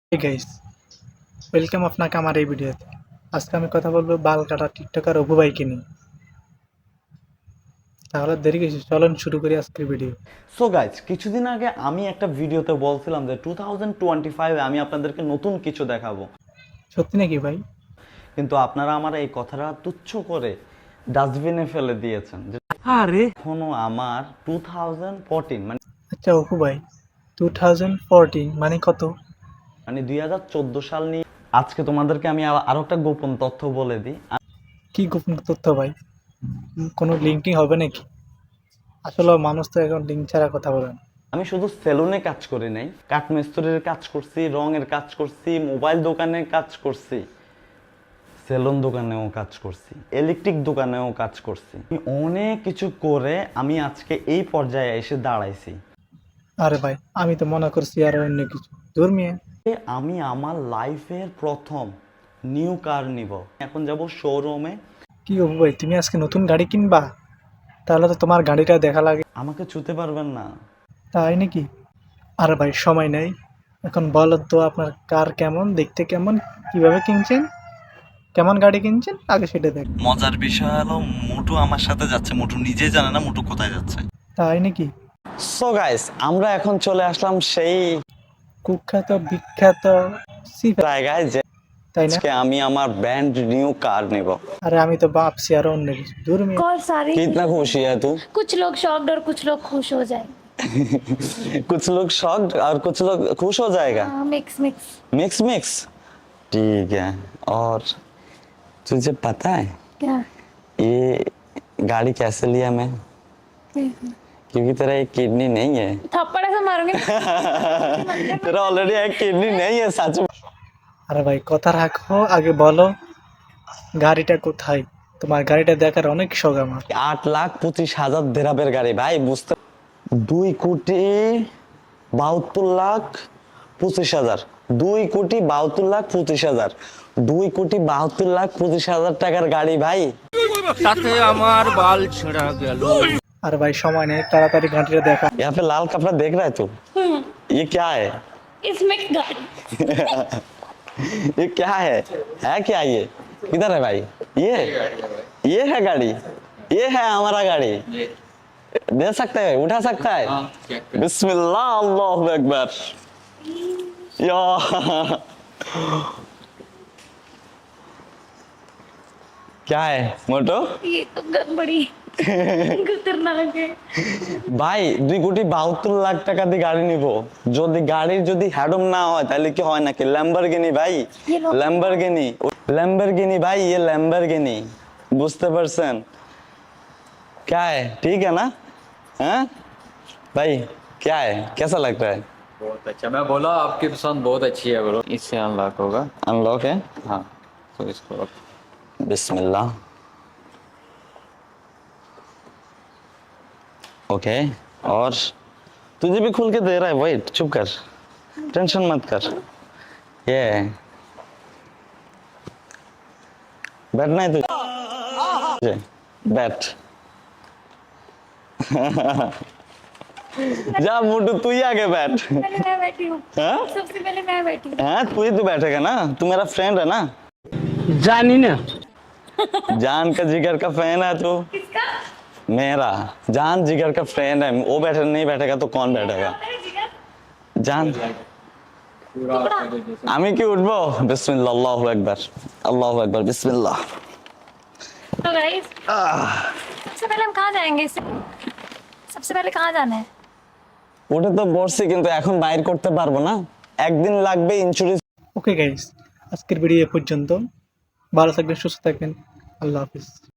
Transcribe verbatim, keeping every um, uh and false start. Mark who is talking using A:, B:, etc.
A: Hey guys, welcome আপনাকে আমার এই ভিডিওতে। আজকে আমি কথা বলবো বাল কাটা টিকটকার অপু ভাইকে নিয়ে। তাহলে দেরি কিসের, চলুন শুরু করি আজকের ভিডিও।
B: সো গাইজ, কিছুদিন আগে আমি একটা ভিডিওতে বলছিলাম যে টু থাউজেন্ড টোয়েন্টি ফাইভে আমি আপনাদেরকে নতুন কিছু দেখাবো,
A: সত্যি নাকি ভাই?
B: কিন্তু আপনারা আমার এই কথাটা তুচ্ছ করে ডাস্টবিনে ফেলে দিয়েছেন। আরে এখনো আমার টু থাউজেন্ড ফোরটিন মানে
A: আচ্ছা অপু ভাই, টু থাউজেন্ড ফোরটিন মানে কত?
B: মানে দুই হাজার চোদ্দ সাল নিয়ে আজকে তোমাদেরকে আমি আ- আরো একটা গোপন তথ্য বলে দিই।
A: কি গোপন তথ্য ভাই? উম, কোনো লিঙ্কিং হবে নাকি? আসলে মানুষ তো এখন লিঙ্ক ছাড়া কথা বলে না।
B: আমি শুধু সেলুনে কাজ করি নাই, কাঠমিস্ত্রির কাজ করছি, রঙের কাজ করছি, মোবাইল দোকানে কাজ করছি, সেলুন দোকানেও কাজ করছি, ইলেকট্রিক দোকানেও কাজ করছি। আমি অনেক কিছু করে আমি আজকে এই পর্যায়ে এসে দাঁড়াইছি।
A: আরে ভাই, আমি তো মনে করছি আর অন্য কিছু। দূর মিয়া।
B: এ আমি আমার লাইফের প্রথম নিউ কার নিব। এখন যাব শোরুমে।
A: কি অপু ভাই, তুমি আজকে নতুন গাড়ি কিনবা? তাহলে তো তোমার গাড়িটা দেখা লাগে।
B: আমাকে ছুতে পারবেন না।
A: তাই নাকি? আরে ভাই সময় নেই, এখন বলো তো আপনার কার কেমন দেখতে, কেমন, কিভাবে কিনছেন, কেমন গাড়ি কিনছেন আগে সেটা দেখ।
B: মজার বিষয় হলো মোটু আমার সাথে যাচ্ছে, মোটু নিজেই জানে না মোটু কোথায় যাচ্ছে।
A: তাই নাকি?
B: সো গাইস, আমরা এখন চলে আসলাম সেই
A: কুখ্যাত বিখ্যাত সি
B: জায়গায় যে
A: তাই না?
B: আজকে আমি আমার ব্র্যান্ড নিউ কার নেব।
A: আরে আমি তো ভাবছি আর অন্য কিছু। দূর মিয়া।
C: और सारी
B: कितना खुशी है तू?
C: कुछ लोग शॉक्ड और कुछ लोग खुश हो जाए।
B: कुछ लोग शॉक्ड और कुछ लोग खुश हो जाएगा।
C: मिक्स मिक्स
B: मिक्स मिक्स ठीक है। और तुझे पता है
C: क्या?
B: ये गाड़ी कैसे लिया मैं? क्योंकि तेरा एक किडनी नहीं है।
C: थप्पड़ से मारूंगी।
B: तेरा ऑलरेडी एक किडनी नहीं है सच में।
A: আরে ভাই কথা রাখো, আগে বলো গাড়িটা কোথায়? তোমার গাড়িটা দেখার অনেক শখ আমার।
B: আট লাখ পঁচিশ হাজার দেরাবের গাড়ি ভাই, বুঝতে দুই কোটি বাহাত্তর লাখ পঁচিশ হাজার দুই কোটি বাহাত্তর লাখ পঁচিশ হাজার দুই কোটি বাহাত্তর লাখ পঁচিশ হাজার টাকার গাড়ি ভাই।
D: তাতে আমার বাল ছেঁড়া গেল।
A: আরে ভাই সময় নেই, তাড়াতাড়ি গাড়িটা দেখা।
B: यहाँ पे लाल कपड़ा देख रहा है तू? ये क्या है?
C: इसमें गाड़ी
B: ये क्या है? है क्या ये? किधर है भाई? ये ये है गाड़ी, ये है हमारा गाड़ी। दे सकते हैं, उठा सकता है? बिस्मिल्लाह अल्लाहु अकबर। या क्या है मोटो?
C: ये तो गड़बड़ी खतरनाक है।
B: ভাই দুই কোটি বাহাত্তর লাখ টাকা দিয়ে গাড়ি নিব, যদি গাড়ির যদি হ্যাডম না হয় তাহলে কি হয় নাকি? ল্যাম্বরগিনি ভাই, ল্যাম্বরগিনি ল্যাম্বরগিনি ভাই, ये ল্যাম্বরগিনি, বুঝতে পারছেন? क्या है, ठीक है ना? हैं भाई, क्या है, कैसा लगता है?
D: बहुत अच्छा, मैं बोला आपकी पसंद बहुत अच्छी है ब्रो। इससे अनलॉक होगा।
B: अनलॉक है,
D: हाँ, तो इसको रख।
B: बिस्मिल्लाह। ओके, और तुझे भी खुल के दे रहा है, वेट, चुप कर, टेंशन मत कर। ये बैठना है तुझे, बैठ। जा मोटू, तू ही आगे बैठ।
C: पहले मैं बैठी हूँ।
B: हाँ
C: सबसे पहले मैं बैठी हूँ।
B: हाँ, तू ही तो बैठेगा ना, तू मेरा फ्रेंड है ना,
D: जानी ना
B: जान का जिगर का फैन है तू
C: किसका?
B: मेरा। जान जिगर का फ्रेंड है, वो बैठे नहीं बैठेगा तो कौन बैठेगा?
C: अरे जिगर,
B: जान আমি কি উঠবো? বিসমিল্লাহ, আল্লাহু আকবার, আল্লাহু আকবার, বিসমিল্লাহ।
C: तो गाइस सबसे पहले हम कहाँ जाएंगे इससे? सबसे पहले कहाँ जाना है?
B: উঠে তো বসছি, কিন্তু এখন বাইর করতে পারবো না, একদিন লাগবে ইন্স্যুরেন্স।
A: ওকে গাইস, আজকের ভিডিও এ পর্যন্ত। ভালো থাকবেন, সুস্থ থাকবেন, আল্লাহ হাফিজ।